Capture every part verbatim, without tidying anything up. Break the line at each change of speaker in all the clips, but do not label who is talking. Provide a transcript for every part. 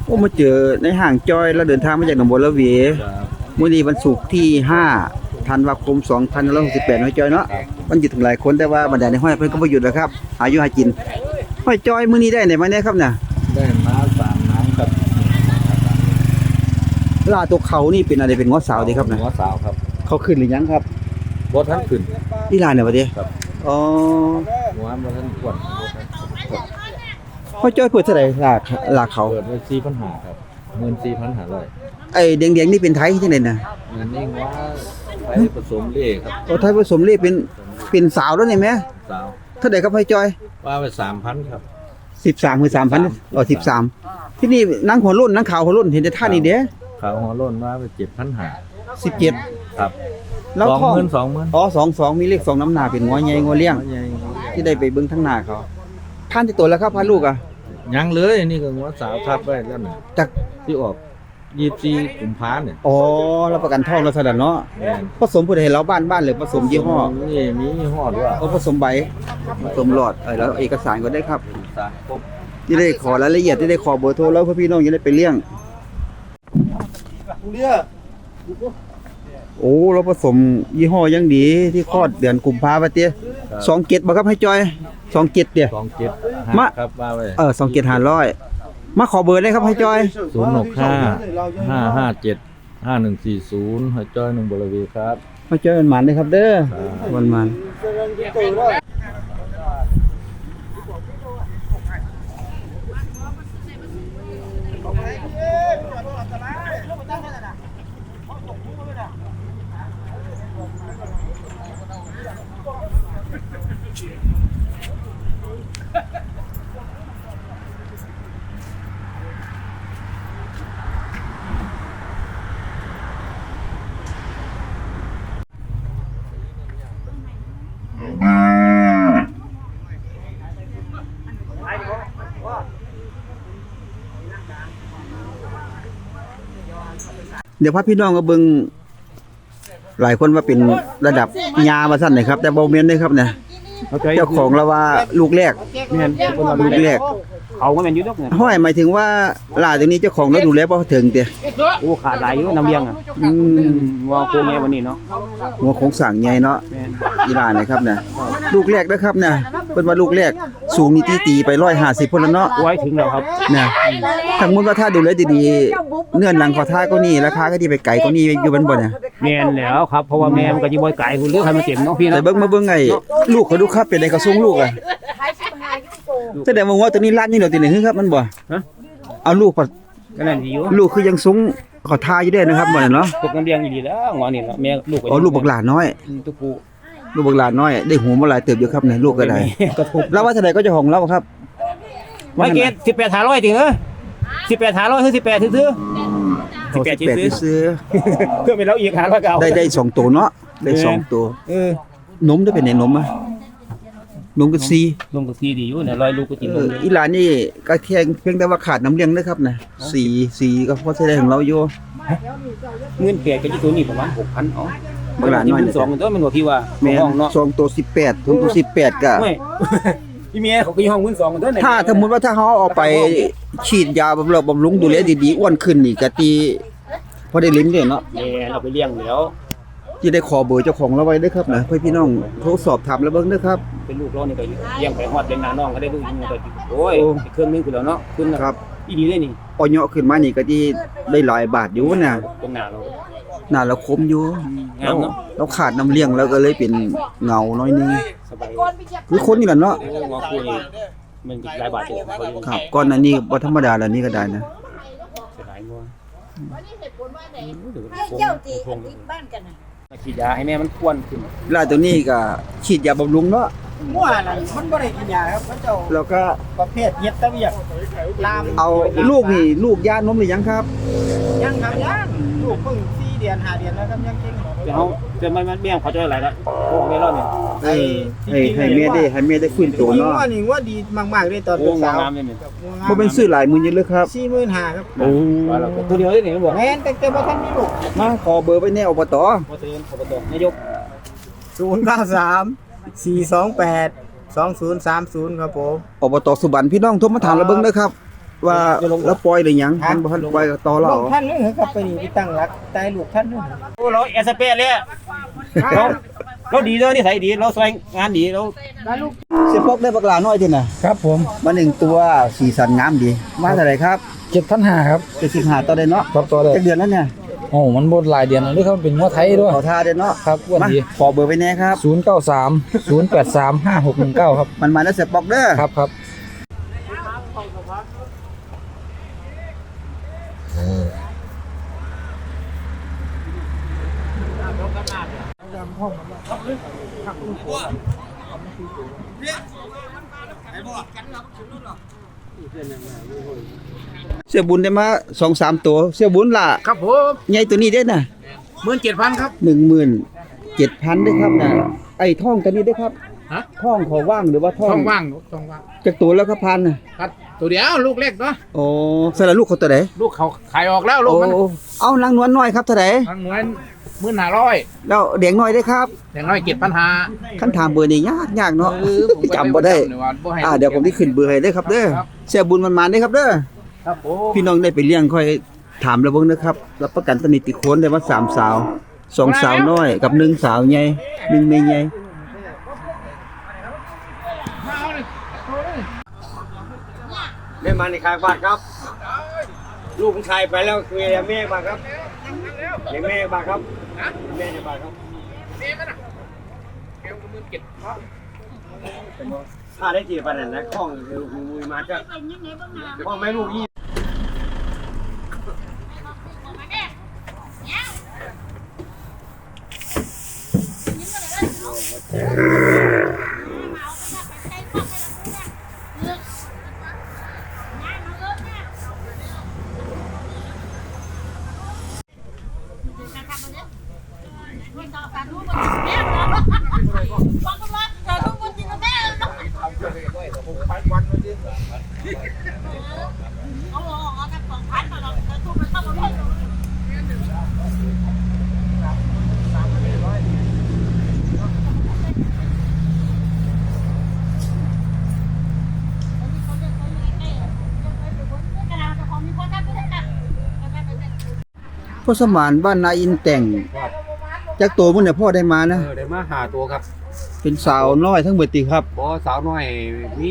อ้มาเจอในห้างจอยแล้วเดินทางมาจากหนองบัวระเวมื้อนี้วันศุกร์ที่ห้าธันวาคมสองพันห้าร้อยหกสิบแปดห้อยจอยเนาะมันหยุดถึงหลายคนแต่ว่าบรรดาในห้อยเพิ่นก็บ่หยุดนะครับหาอยู่หากินห้อยจอยมื้อนี้ได้ไหนมาเนี่ยครับน่ะ
ได้มาสามน้ำกับ
ลาตัวเขานี่เป็นอะไรเป็นง้อสาวดีครับน่ะ
ง้อสาวครับ
เขาขึ้นหรือยังครับ
บ่ทันขึ้น
อีหลานเนี่ยบ่ดิ
ครับ
อ๋อ
ง้อบ่ทันกวน
ห้อยจอยเปิดเท่าไหร่ลาลาเขา
เปิดไว้ สี่พันห้าร้อย ครับ หนึ่งหมื่นสี่พันห้าร้อย
ไอ้แดงๆนี่เป็นไทยจังได๋น่ะ
อันนี้ง้อไปผสมเล่ครับ
โอ้ไทยผสมเล่เป็นเป็นสาวแล้วนี่แม่
สาว
เท่าใดครับห้อยจอย
ว่าไป สามพัน ครับ
สิบสามคือ สามพัน อ๋อสิบสามที่นี่นางหัวรุ่นนางขาวหัวรุ่นเห็นแต่ท่านี่เด้
ขาวหัวโล้นว่าไป เจ็ดพันห้าร้อย
สิบเจ็ด
ครับ
แล้วท้อง
สองหมื่น สองหมื่น
อ๋อสองสิบสองมีเลขสองน้ำหน้าเป็นงัวใหญ่งัวเลี้ยงที่ได้ไปเบิ่งทั้งหน้าเขาท่านที่ตัวแล้วครับพาลูกอ่ะ
ยังเลยนี่ก็ง้อสาวทับไว้แล้วน่ะ
จาก
ที่ออกยี่สิบสี่กุมภาพันธ์เนี่ย
อ๋อรับประกันท้องแล้วซะแล้วเนาะ
แม่น
ผสมผู้ใดให้เราบ้านบ้านหรือผสมยี่ห้อ
นี่มียี่ห้อด้วย
อ๋อผสมใบผสมหลอดเออแล้วเอกสารก็ได้ครับ
สารครบ
ที่ได้ขอรายละเอียดที่ได้ขอเบอร์โทรแล้วเพื่อพี่น้องจะได้ไปเลี้ยงโอ้เราผสมยี่ห้อยังดีที่คลอดเดือนกุมภาพันธ์เตี้ยสองเจ็ดบ่ครับให้จอยสองเจ็ดเตี้ย
สองเจ็ด
มา
ครับว่าไว้
เออสองเจ็ดห้าร้อยมาขอเบอร์ได้ครับให้จอย
ศูนย์หกห้าห้าห้าเจ็ดห้าหนึ่งสี่ศูนย์ให้จอยหนึ่งบริเวณครับ
ให้จอยมันหมันเลยครับเด้อมันมันเดี๋ยวพาพี่น้องก็เบิ่งหลายคนว่าเป็นระดับยาว่าซั่นนะครับแต่บ่แม่นเด้ครับเนี่ยเจ้าของเราว่าลูกแรก
แม่นคนว่า
ลูกแรก
เขาก็แม่นอยู่ดอกเนี่ย
ห้อยหมายถึงว่าลาตรงนี้เจ้าของเราดูแลบ่ถึงเด้
โอ้ขาดหลายอยู่น้ำเลี้ยงอ่ะ
อืม
ว่าโคแม่วันนี้เนาะ
หัวโครงสร้างใหญ่เนาะอีหลานนะครับเนี่ยลูกแรกนะครับเนี่ยเพิ่นว่าลูกแรกสูงนี่ตีๆไปหนึ่งร้อยห้าสิบพุ่นแล้วเนาะ
ไว้ถึงแล้วครับ
เนี่ยสมมุติว่าถ้าดูแลดีๆเนื้อหนังขอท่าก็นี่ราคาก็ดีไปไกลก็นี่อยู่บันบ่เนี่ย
แม่นแล้วครับเพราะว่าแม่มันก็สิบ่ไกลพุ่นเลือกให้มันเต็มเนาะพี่นะ
แต่เบิ่งมาเบิ่งไอ้ลูกเขาดูครับเป็นไดเขาส่งลูกอ่ะแสดงว่างัวตัวนี้ล้านนี่เนาะตินี่ครับมันบ่
ฮะ
เอาลูกปัด
ก็นั่นดีอยู่
ลูกคือยังสูงขอท่าอยู่ได้นะครับบ่เนี่ยเนาะ
ตกน้ำเลี้ยงดีแล้วงอนี่เนาะแม่ลูก
อ๋อลูกบักหลาน้อย
ตุ๊กู
ลูกบักหลาน้อยได้หูมาหลายเติบอยู่ครับเนี่ยลูกก็ได้แล้วว่าเท่าใดก็เจ้าของเราครับ
ไว้เกตสิบแปด ห้าร้อยติเอ้อสิบแปด ห้าร้อยคือสิบแปดซื่อๆสิบแปด
ซื้อ
เพื่อเป็นเราอีกห้าร้อยเก่า
ได้ได้สองตัวเนาะได้สองตัว
เออน
มได้เป็นไหนนมอ่ะนมก็ซี
นมก็ซีดีอยู่เนี่ยร้อยลูกก็กินนม
อีหลานนี่ก็เพียงเพียงแต่ว่าขาดน้ำเลี้ยงนะครับนะสีสีก็พอใช้ได้ของเราอยู่
เงินแก่ก็อยู่ตัวนี้ประมาณ หกพัน อ๋อ
บักหลานน้อย
สองตัวมันว่าพี่ว่า
ห้องเนาะสองตัวสิบแปดตัวสิบแปดก็
พี่เมียเขาก็อยู่ห้องมื้อสองตัว
ถ้าสมมุติว่าถ้าเฮาเอาไปฉีดยาบำรุงบำรุงดูแลดีๆอ้วนขึ้นนี่ก็ตีพอได้ลิ้มเด้เนาะ
แม่เอาไปเลี้ยงแล้ว
สิได้ขอเบอร์เจ้าของเราไว้เด้อครับนะเพื่อพี่น้องโทรสอบถามแล้วเบิ่งเด้อครับ
เป็นลูกเรานี่ก็เลี้ยงไปฮอดเป็นน้าน้องก็ได้ลูกยิงก็โอ้ยเครื่องนึงคือแล้วเนาะขึ้น
ครับ
อีดีเลยนี่
อ่อยขึ้นมานี่ก็ที่ได้หลายบาทอยู่นะ
ตรงหน้าเรา
หน้าเราคมอยู่
งามเนาะ
เราขาดน้ำเลี้ยงแล้วก็เลยเป็นเงาน้อยนึง
สบาย
คือคนนี่แหละเนาะ
งอคุยมันหลายบาทอยู่
ครับก่อนอันนี้บ่ธรรมดาแล้วนี่ก็ได้นะ
เสียดายงัววันนี้เหตุผลว่าไหน
เจ้าจีติดบ้านกันน่ะ
ฉีดยาให้แม่มันควนขึ้น
ลาตัวนี้ก็ฉีดยาบำรุงเนาะ
งัวนั่นมันบ่ได้กินยาครับเจ้า
แล้วก็
ประเภทเฮ็ดตะเวียกลาม
เอาลูกนี่ลูกยานมหรือยังครับ
ยังครับยังลูกเพิ่งสี่เดือนห้าเดือนแล้วครับยังจริงเดี๋ยวจะมันมันเบี้ยงเขาจะหลายละพวกเมลอนเนี่ย
ให้ให้ให้แม่ได้ให้แม่ได้ฟื้นตัวเนาะ
งัวนี่งัวดีมากๆเลยตอนเป็นสาว
บ่เป็นซื้อหลายมื้ออยู่เลยครับ
สี่หมื่นห้าพัน ครับ
โอ้
ตัวเดียวนี่บ่แม่นแต่แต่บ่ทันมีลูก
มาขอเบอร์ไว้แน่อบต.
บ่ตื่นอบต.นายกศูนย์ เก้า สาม สี่ สอง แปด สอง ศูนย์ สาม ศูนย์ครับผม
อบต.สุบรรณพี่น้องโทรมาถามเราเบิ่งเด้อครับว่าแล้วปล่อยหรือยังมันบ่ทันปล่อยก็ต่อเรา
ลูกท่านเลยครับไปนี่ไปตั้งหลักตายลูกท่านเลยโอ้เราเอสเปเลยเราเราดีเลยนิสัยดีเราสวยงานดีเราลูก
เสียพกได้บักหลาน้อยที่น่ะ
ครับผม
มาหนึ่งตัวสีสันงามดีมาเท่าไหร่ครับ
เจ็ดพันห้าครับ
เจ็ดสิบห้าต่อได้เนาะ
ครับตัวเลย
จักเดือนแล้วเนี่ย
โอ้มันบดหลายเดือนแล้วด้วยครับเป็นงัวไทยด้วย
ขอทาได้เนาะ
ครับอ้วน
มา
ดี
ขอเบอร์ไว้แน่ครับ
ศูนย์เก้าสามศูนย์แปดสามห้าหกหนึ่งเก้าครับ
มันมาแล้วเสียปอกเด้อ
ครับครับ
เสียบุญได้มา สองสาม ตัวเสียบุญล่ะ
ครับผม
ใหญ่ตัวนี้เด้อน่ะ
หมื่นเจ็ดพันครับ
หนึ่งหมื่นเจ็ดพันด้วยครับนะไอ้ท่องกันนี่ด้วยครับ
ฮะ
ท่องเขาว่างหรือว่าท่อง
ช่องว่างช่องว่าง
จากตัวแล้วครับพันน่ะ
ครับตัวเดียวลูกเล็กเนาะ
โอ้สละลูกเขาตัวไหน
ลูกเขาขายออกแล้วลูก
โอ้
มัน
เอานางนวลน้อยครับเท่าไหร่
ทางหน่วยหมื่นห้าร้อย
แล้วเด็กน้อยได้ครับ
อย่างน้อยเจ็ดพันห้า
ขั้นถามเบอร์นี่ยากยากเนาะ
เออผม
จำบ่ได้
จำว่าบ่ให้
อ่าเดี๋ยวผมที่ขึ้นเบอร์ให้เด้อครับเด้อ
ครับ
เสียบุญมันมาได้อครับเด้อ
ครับผม
พี่น้องได้ไปเลี้ยงค่อยถามระเบิงนะครับรับประกันตนิติโคนได้ว่าสามสาวสองสาวน้อยกับหนึ่งสาวใหญ่หนึ่งแม่ใหญ่
แม่มาในคายบ้านครับ ลูกชายไปแล้วคือแม่บ้านครับแม่บ้านครับแม่ในบ้านครับถ้าได้จีบปันนั้นนะข้องคือมือมาจะข้องแม่ลูกยี่
พ่อสมานบ้านนาอินแต่งจากตัวมันเนี่ยพ่อได้มานะ
เออได้มาหาตัวครับ
เป็นสาวน้อยทั้งเบิดติครับ
บอสาวน้อยมี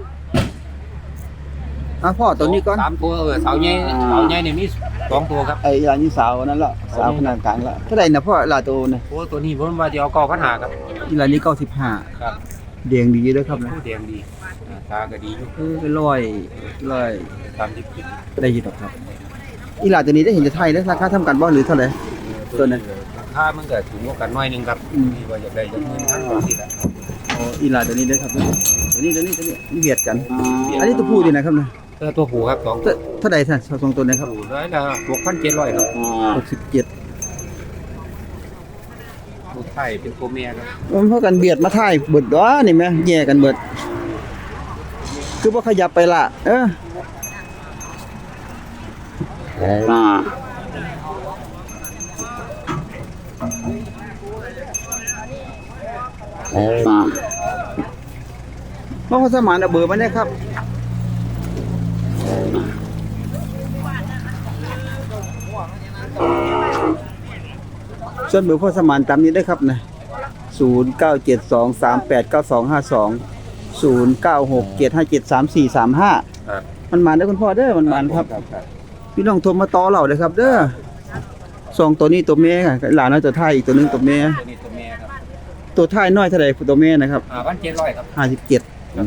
อ่ะพ่อตัวนี้ก่อน
สามตัวเออสาวใหญ่สาวใหญ่เนี่ยมีสองตัวครับ
ไอ้ยานี่สาวนั่นละสาวขนาดกลางละเท่าไหร่นะพ่อลาตัวน่ะ
โอ้ตัวนี้ผมว่าจะเอาเก้าพันหาครับ
อีลานี่เก้าสิบห้า
ครับ
แดงดีเด้อครับนะ
ผู้แดงดีอ่าตาก็ดีอยู่
เออเป็นร้อยร้อย
ตามที่คิด
ได้อยู่ดอกครับอีลาตัวนี้ได้เห็นจะไทยได้ราคาทำกันบ่หรือเท่าไหร่ ตัวนั้น
ราคามันก็ถูกกว่ากันหน่อยหนึงครับ
อืม
ที่ว่าอยากได้จะเงินพันกว่าสิละ
อ๋ออีลาตัวนี้เด้อครับตัวนี้ตัวนี้ตัวนี้มันเบียดกัน อันนี้ตัวผู้ดีนะครับนะ
เออตัวผูครับสอง
เท่าเท่าไหร่ท่านสองตัวนะครับ
ผูร้อยละหกพันเจ็ดร้อยครับ
หกสิบเจ็ด
ตัวไทยเป็นตัวเมียครับ
มันเพราะกันเบียดมาถ่ายเบิดด้อนี่แม่แย่กันเบิด คือบ่ขยับไปละเออน้องเขาสมานเอาเบอร์มาได้ครับ ส่วนเบอร์พ่อสมานตามนี้ได้ครับนะศูนย์ เก้า เจ็ด สอง สาม แปด เก้า สอง ห้า สอง ศูนย์ เก้า หก เจ็ด ห้า เจ็ด สาม สี่ สาม ห้า
ครับ
มันมาได้อคุณพ่อเด้อมันมันครับ พี่น้องโทรมาต่อเราเลยครับ เด้อสองตัวนี้ตัวแม่ค่ะหลานน้อยตัวท้ายอีกตัวหนึงตัวแม่
ตัวนี้ตัวเมียครับ
ตัวท้ายน้อยเท่าไหร่ตัวแม่นะครับ
อ่าพันเจ็ดร้อยครับ
ห้าสิบเจ็ด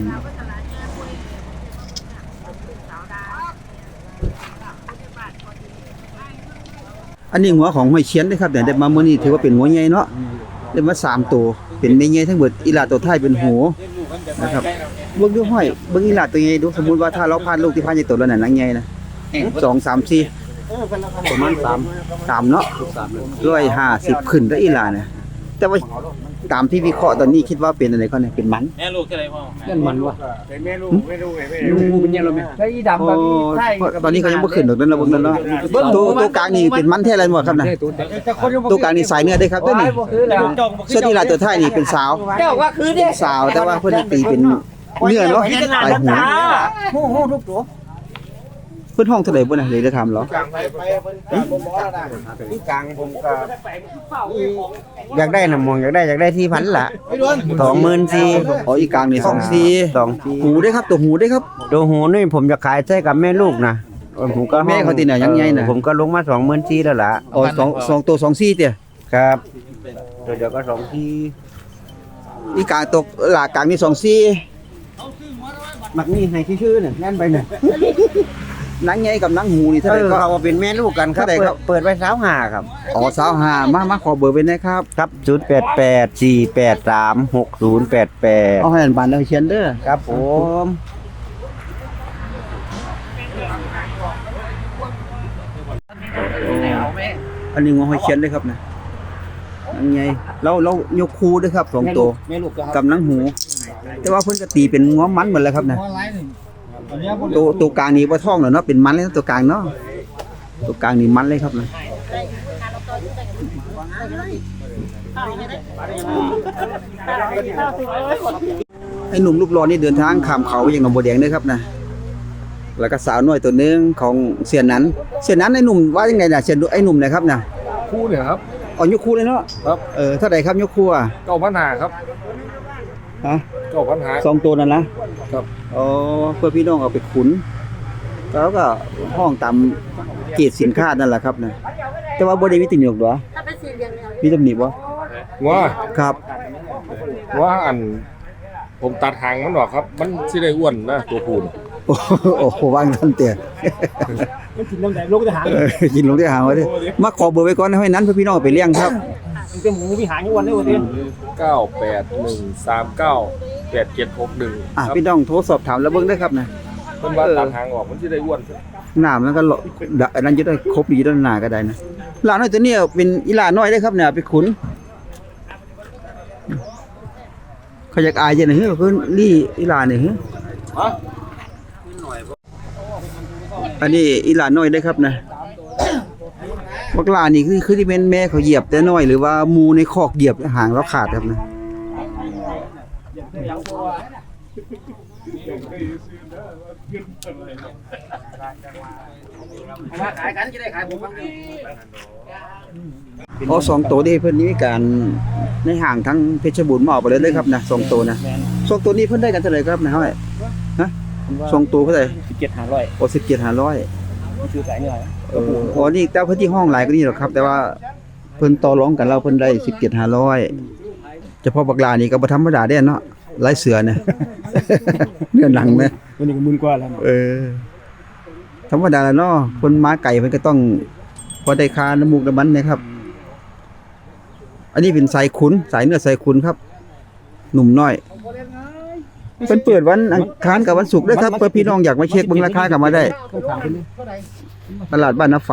อันนี้หัวของหอยเชียนเด้อครับเนี่ยได้มามื้อนี้ถือว่าเป็นหัวใหญ่เนาะได้มาสามตัวเป็นแม่ใหญ่ทั้งหมดอีหลาตัวท้ายเป็นหูนะครับเบิ่งดูห้อยเบิ่งอีหลาตัวใหญ่ดูสมมุติว่าถ้าเราพาดลูกที่พาดใหญ่ตัวแล้วน่ะนางใหญ่นะสอง สาม สี่ประมาณสาม สามเนาะหนึ่งร้อยห้าสิบขึ้นแล้วอีหลาเนี่ยแต่ว่าตามที่วิเคราะห์ตอนนี้คิดว่าเป็นอะไรก็เนี่ยเป็นมัน
แม่ลูกเท่าไหร่พ่อ
นั่นมันวะ
เป็นแม่ลูกไม่รู้ไม่
ลูกเป็นยังไงไหมไอ้ดำ
โอ้
กับใช่
ตอนนี้เขายังบ่ขึ้นดอกนั้นนะเบิ่งนั่นเนาะตัวตัวกลางนี่เป็นมันแท้อะไรหมดครับน่ะตัวกลางนี่สายเนื้อได้ครับเด้อนี่
คือแล้ว
ส่วนอีหลาตัวท้ายนี่เป็นสาว
เจ้าว่าคือเด้
สาวแต่ว่าเพิ่นตีเป็นเนื้อเนาะลายหู
ฮู้ฮู้ทุกตัว
พิ่นห้องเท่าใดบ่น่ะเลยจะถามเหรอ
ที่กลางผมก็อยากได้น้ำมองอยากได้อยากได้ที่พันละสองหมื่นสี่
อ๋ออีกกลางนี่สองสี่
สองสี่
หูได้ครับตัวหูได้ครับ
ตัวหูนี่ผมจะขายใช้กับแม่ลูกนะผมก็
แม่เขาที่ไหนยังไงน่ะ
ผมก็ลงมาสองหมื่นสี่แล้วล่ะ
อ๋อสองสองตัวสองสี่เตี้ย
ครับตัวเดียวก็สองที่
อีกกลางตกหลากกลางนี่สองสี่
มักนี่ให้ชื่อๆเนี่ยแน่นไปเนี่ย
หนังใหญ่กับหนังหูนี่
เอ
เท่าไหร่
อ
ก็
เขาว่าเป็นแม่ลูกกันครับ
เท่าไหร่ครับ
เปิดไว้สาวหาครับ
อ๋อสาวห้ามามาขอเบอร์ไว้หนะครับ
ครับศูนย์แปดแปดสี่แปดสามหกศูนย์แปดแปด
เอาให้อันบานแล้วเขียนเด้อ
ครับผม
อันนี้งอให้เขียนด้วยครับนะหนังใหญ่เราเรายกคู่ด้วยครับสองตัว
แม่ลูกครับ
กับหนังหู แต่ว่าเพิ่นก็ตีเป็นง้อมันหมดแล้วครับนะตัวตัวกลางนี่บ่ท้องแล้วเนาะเป็นมันเลยนะตัวกลางเนาะตัวกลางนี่มันเลยครับนะไอ้หนุ่มรูปหล่อนี่เดินทางข้ามเขาไปยังหนองบัวแดงเด้อครับนะแล้วก็สาวน้อยตัวหนึงของเสียนนั้นเสียนนั้นไอ้หนุ่มว่ายังไงน่ะเสียนไอ้หนุ่มนะครับนะ
คู่เนี่ยครับ
อ๋อยกคู่เลยเนาะ
ครับ
เออเท่าไหร่ครับยกคู่อ่ะ
เก้าพันหาครับ
ฮะ
เก้าพันหา
สองตัวนั่นนะครับ อ๋อเพื่อพี่น้องเอาไปขุนแล้วก็ห้องตามเกรดสินค้านั่นแหละครับนะแต่ว่าบ่ได้มีตำหนิหรอกเหรอ
ถ้าเป็นสี่เหลี่ยมเนี่ย
มีตำหนิบ่
ว่า
ครับ
ว่าอัน ผมตัดหางมันออกครับ มันสิได้อ้วนนะตัวผูน
โอ้โหโอ้โหวางทันเตี้ย
มันกินน้ำแดงลูกจะหาง
เออกินลงที่หางไว้ดิมาขอเบอร์ไว้ก่อนให้นั้นเพื่อพี่น้องเอาไปเลี้ยงครับ
มันเป็นหมูพี่หางอยู่วันนี้วันนี้
เก้าแปดหนึ่งสามเก้าแปดเจ็ดหกหนึ่ง
อ่ะ
ครับ
พี่น้องโทรสอบถามแล้วเบิ่งได้ครับนะ
เพิ่นว่าตัดหางออกมันสิได้อ้วน
หน้ามันก็เลาะดะอันนั้นจะได้ครบดีด้านหน้าก็ได้นะหลานน้อยตัวเนี้ยเป็นอีหลาน้อยได้ครับเนี่ยไปขุนเขาอยากอายจังได๋เฮ้ยเพิ่นลี่อีหลานี่เฮ้ย
ฮะ
อันนี้อีหลาน้อยได้ครับนะบักหลานี่คือคือที่เป็นแม่เขาเหยียบแต่น้อยหรือว่าหมูในคอกเหยียบหางแล้วขาดครับนะอ๋อสองตัวนี่เพิ่นนี่มีการในห่างทั้งเพชรบูรณ์มาเอาไปเลยเลยครับนะสองตัวนะสองตัวนี้เพิ่นได้กันเท่าไหร่ครับนะเฮ้ยฮะสองตัวเท่าไหร่
สิบเจ็ดหางร้อย
โอ้สิบเจ็ดห้าร้อย
ซื้อสายเหนื่อย
เอออ๋อนี่แต่เพิ่นที่ห้องหลายกว่านี้หรอกครับ แต่ว่าเพิ่นต่อรองกันเราเพิ่นได้สิบเจ็ดห้าร้อยเฉพาะบักลานี่ก็บ่ธรรมดาเด้เนาะหลายเสือเนี่ย เนื้อหนังนะ
วันนี้ก็มื่นกว่าแล้ว
เออธรรมดาแล้วเนาะคนม้าไก่เพิ่นก็ต้องพอได้ค่าน้ำมูกน้ำมันนะครับ อันนี้เป็นสายขุนสายเนื้อสายขุนครับ หนุ่มน้อยเพิ่นเปิดวันอังคารกับวันศุกร์ด้วยครับเพื่อพี่น้องอยากมาเช็คเบิ่งราคาก็มาได้
ต้องถามคนนี้
ตลาดบ้านนาฝ